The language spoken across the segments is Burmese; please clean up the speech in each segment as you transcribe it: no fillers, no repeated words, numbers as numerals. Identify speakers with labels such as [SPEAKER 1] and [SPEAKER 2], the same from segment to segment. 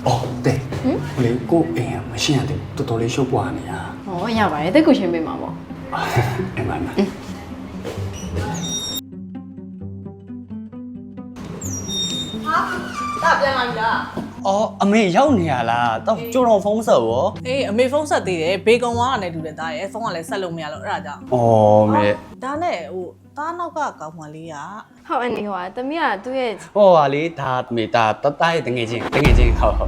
[SPEAKER 1] 哦，对，我哋個唔係人哋多多啲 show 慣你啊。
[SPEAKER 2] 哦，ရပါတယ်တက်ကိုချင်းပေးမှာပေါ့
[SPEAKER 1] 明白嗎？
[SPEAKER 3] 大ပြန်လာပြီလား
[SPEAKER 1] 哦，阿妹ရောက်နေရလားတော့ကြိုတော့ဖုန်းဆက်ရော
[SPEAKER 3] အေးအမေဖုန်းဆက်သေးတယ်ဘေကွန်ဝါကနေတူတယ်တားရဲ့ဖုန်းကလည်းဆက်လို့မရလို့အဲ့ဒါကြောင့်
[SPEAKER 1] အော်မေ
[SPEAKER 3] ဒါနဲ့ဟိုတားနောက်ကကောင်းမှလေးက
[SPEAKER 2] ဟုတ်အနေဟိုတမီးကသူ့ရဲ့
[SPEAKER 1] ဟောပါလေဒါမေဒါတတရဲ့တငယ်ချင်းဟုတ်ဟုတ်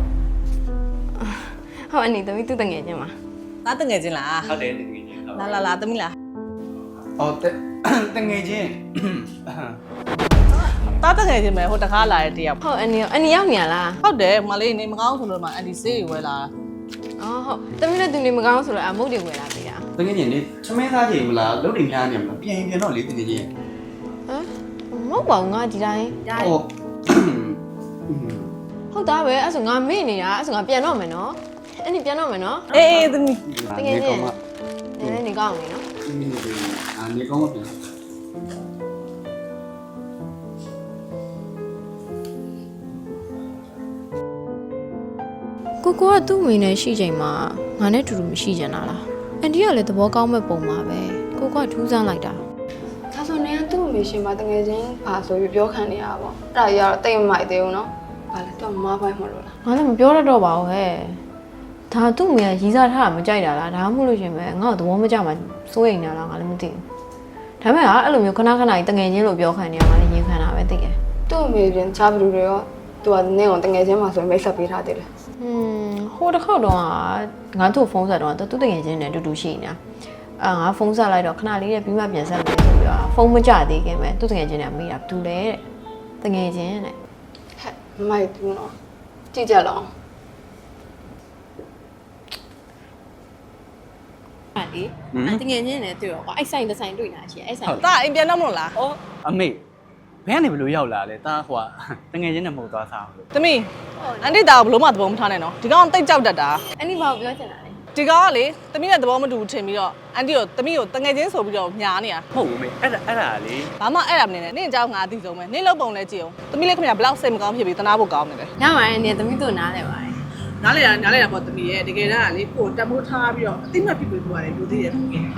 [SPEAKER 2] ဟုတ်အနေတမီးသူ့တငယ်ချင်းမှာ
[SPEAKER 3] တားတငယ်ချင်းလား
[SPEAKER 1] ဟုတ်တယ်တငယ်ချင်း
[SPEAKER 3] လာသမီးလား
[SPEAKER 1] အော်တငယ်ချင်း
[SPEAKER 3] တားတငယ်ချင်းပဲဟိုတခါလာတဲ့တယောက်
[SPEAKER 2] ဟုတ်အနေရောက်နေရလား
[SPEAKER 3] ဟုတ်တယ်မလေးနေမကောင်းဆိုလို့မှအန်ဒီဆေးတွေဝယ်လာ
[SPEAKER 2] အော်ဟုတ်တမီးလည်းသူနေမကောင်းဆိုတော့အမုတ်တွေဝယ်လာသေးတာ
[SPEAKER 1] တငယ်ချင်းလေချမဲသားချိန်မလားလုံးတွေများနေမလားပြန်တော့လေတငယ်ချင်း
[SPEAKER 2] ဟမ်မဟုတ်ပါဘူးငါဒီတိုင်း
[SPEAKER 1] အော်
[SPEAKER 2] ဟုတ်သားပဲအဲ့ဆိုငါမေ့နေတာအဲ့ဆိုငါပြန်တော့မယ်နော်အဲ့ဒီပြန်တော့မယ်နော်
[SPEAKER 3] အေးသမီး
[SPEAKER 2] တကယ်ချင်းနည်းနည်းနေကောင်းနေနော်
[SPEAKER 1] နေကောင်းမပြန်
[SPEAKER 2] ကိုကသူ့မိနဲ့ရှိချိန်မှာငါနဲ့တူတူမရှိကြတာလားအန်တီကလည်းသဘောကောင်းမဲ့ပုံပါပဲကိုကထူးဆန်းလိုက်တာ
[SPEAKER 4] ဒါဆိုနေကသူ့အမေရှင်ပါတကယ်ချင်းပါဆိုပြီးပြောခံနေရတာပေါ့အဲ့ဒါကြီးကတော့တိတ်မမိုက်သေးဘူးနော်ဘာလဲတော့မဖိုင်မလို့လား
[SPEAKER 2] ငါလည်းမပြောတတ်တော့ပါဘူးဟဲ့ဒါသူ့မိကရီးစားထားတာမကြိုက်တာလားဒါမှမဟုတ်လို့ရှင်ပဲငါ့ကိုသဘောမကျမှစိုးရိမ်နေတာလားငါလည်းမသိဘူးဒါပေမဲ့အဲ့လိုမျိုးခဏခဏကြီးတငယ်ချင်းလို့ပြောခံနေရမှလည်းရင်ခံတာပဲသိတယ်
[SPEAKER 4] သူ့အမေပြင်ချားဘလူတွေရောသူကနင်းအောင်တကယ်ချင်းပါဆိုရင်မိတ်ဆက်ပေးထားသေးတယ်
[SPEAKER 2] ဟိုတစ်ခေါက်တော့ငါတို့ဖုန်းဆက်တော့သူ့တငယ်ချင်းနဲ့တူတူရှိနေတာငါဖုန်းဆက်လိုက်တော့ခဏလေးနဲ့ပြီးမှပြန်ဆက်မယ်ဆိုပြီးတော့ဖုန်းမကြသေးခင်ပဲသူ့တငယ်ချင်းနဲ့မေးတာဘူးလေတဲ့တငယ်ချင်းနဲ့
[SPEAKER 4] ဟဲ့မမိုက်ဘူးနော်ကြည့်ကြလောင်း
[SPEAKER 2] အဲ့ဒီတငယ်ချင်းနဲ့တွေ့တော့ကွာအဲ့ဆိုင်တစ်ဆိုင်တွေ့နေတာရှိအဲ့ဆိုင်
[SPEAKER 3] တားအိမ်ပြန်တော့မလို့လား
[SPEAKER 1] အော်အမေဘယ်ကနေဘလို့ရောက်လာလဲတာဟိုတငယ်ချင်းနဲ့မဟုတ်သွားစားလို့
[SPEAKER 3] သမီးအန်တီတာကိုဘလို့မှသဘောမထားနဲ့နော်ဒီကောင်တိတ်ကြောက်တတ်တာ
[SPEAKER 2] အဲ့ဒီဘာကိုပြောချင်တာလဲ
[SPEAKER 3] ဒီကောင်ကလေသမီးနဲ့သဘောမတူဘူးထင်ပြီးတော့အန်တီကိုသမီးကိုတငယ်ချင်းဆိုပြီးတော့ညားနေတာ
[SPEAKER 1] ဟုတ်ဘူးမေအဲ့ဒါလေ
[SPEAKER 3] ဘာမှအဲ့ဒါမနေနဲ့နင့်အကြောင်းငါအသိဆုံးပဲနင့်လောက်ပုံလဲကြည့်အောင်သမီးလေးခင်ဗျာဘလောက်စိတ်မကောင်းဖြစ်ပြီးတနာဖို့ကောင်းနေတယ်
[SPEAKER 2] ညမှာနေသမီးတို့နားလဲပါတယ်
[SPEAKER 3] နားလေတာပေါ့သမီးရဲ့တကယ်တမ်းကလေကိုတက်မိုးထားပြီးတော့အသိမှတ်ဖြစ်ပြီးသွားတယ်လူသေးတယ်ခင်ဗျာ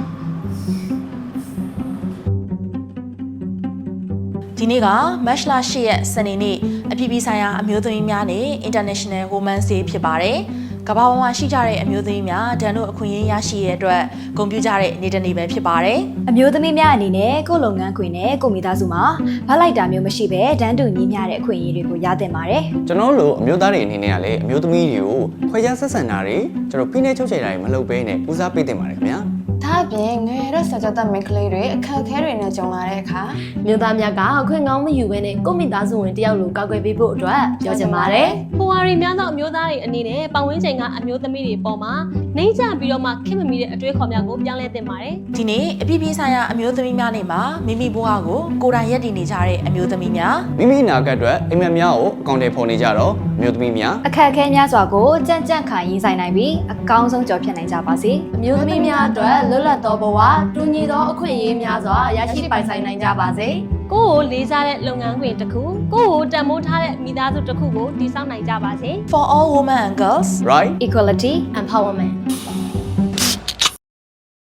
[SPEAKER 5] ဒီနေ့က March လ 8 ရက်စနေနေ့အပြည်ပြည်ဆိုင်ရာအမျိုးသမီးများနေ့ International Women's Day ဖြစ်ပါတယ်။ကမ္ဘာပေါ်မှာရှိကြတဲ့အမျိုးသမီးများဒဏ်တို့အခွင့်အရေးရရှိရတဲ့အတွက်ဂုဏ်ပြုကြတဲ့နေ့တစ်နေ့ပဲဖြစ်ပါတယ်။
[SPEAKER 6] အမျိုးသမီးများအနေနဲ့ကိုယ်လုပ်ငန်းခွင်နဲ့ကိုမိသားစုမှာဗတ်လိုက်တာမျိုးမရှိဘဲတန်းတူညီမျှတဲ့အခွင့်အရေးတွေကိုရသင့်ပါတယ်
[SPEAKER 7] ကျွန်တော်တို့အမျိုးသားတွေအနေနဲ့ကလည်းအမျိုးသမီးတွေကိုခွဲခြားဆက်ဆံတာတွေကျွန်တော်ဖိနှိပ်ချုပ်ချယ်တာတွေမလုပ်ဘဲနဲ့ဦးစားပေးတင်ပါတယ်ခင်ဗျာ
[SPEAKER 4] ဒါအပြင်ငယ်ရက်ဆက်ကြတဲ့မိန်းကလေးတွေအခက်အခဲတွေနဲ့ကြုံလာတဲ့အခါ
[SPEAKER 8] မြို့သားများကအခွင့်ကောင်းမယူဘဲနဲ့ကိုမိသားစုဝင်တယောက်လိုကောက်ွယ်ပေးဖို့အတွက်ပြောချင်ပါတယ်။ဖိုဝါရီများသောအမျိုးသားတွေအနေနဲ့ပတ်ဝန်းကျင်ကအမျိုးသမီးတွေပေါ်မှာနှိမ့်ချပြီးတော့မှခင်မမီတဲ့အတွေ့အခေါ်များကိုပြောင်းလဲသင့်ပါတယ်
[SPEAKER 5] ။ဒီနေ့အပြည်ပြည်ဆိုင်ရာအမျိုးသမီးများနေ့မှာမိမိဘဝကိုကိုယ်တိုင်ရည်တည်နေကြတဲ့အမျိုးသမီးများ
[SPEAKER 7] မိမိအနာဂတ်အတွက်အိမ်မက်များကိုအကောင့်တွေဖော်နေကြတော့အမျိုးသမီးများ
[SPEAKER 6] အခက်အခဲများစွာကိုကြံ့ကြံ့ခံရင်ဆိုင်နိုင်ပြီးအကောင်းဆုံးကြော်ဖြတ်နိုင်ကြပါစေ
[SPEAKER 8] ။အမျိုးသမီးများအတွက်လွတ်လပ်သောဘဝတူညီသောအခွင့်အရေးများစွာရရှိပိုင်ဆိုင်နိုင်ကြပါစေ။ကိုယ့်ကိုလေးစားတဲ့လုပ်ငန်းခွင်တစ်ခုကိုယ့်ကိုတန်ဖိုးထားတဲ့မိသားစုတစ်ခုကိုတည်ဆောက်နိုင်ကြပါစေ
[SPEAKER 5] For all women and girls
[SPEAKER 7] right
[SPEAKER 6] equality
[SPEAKER 8] Empowerment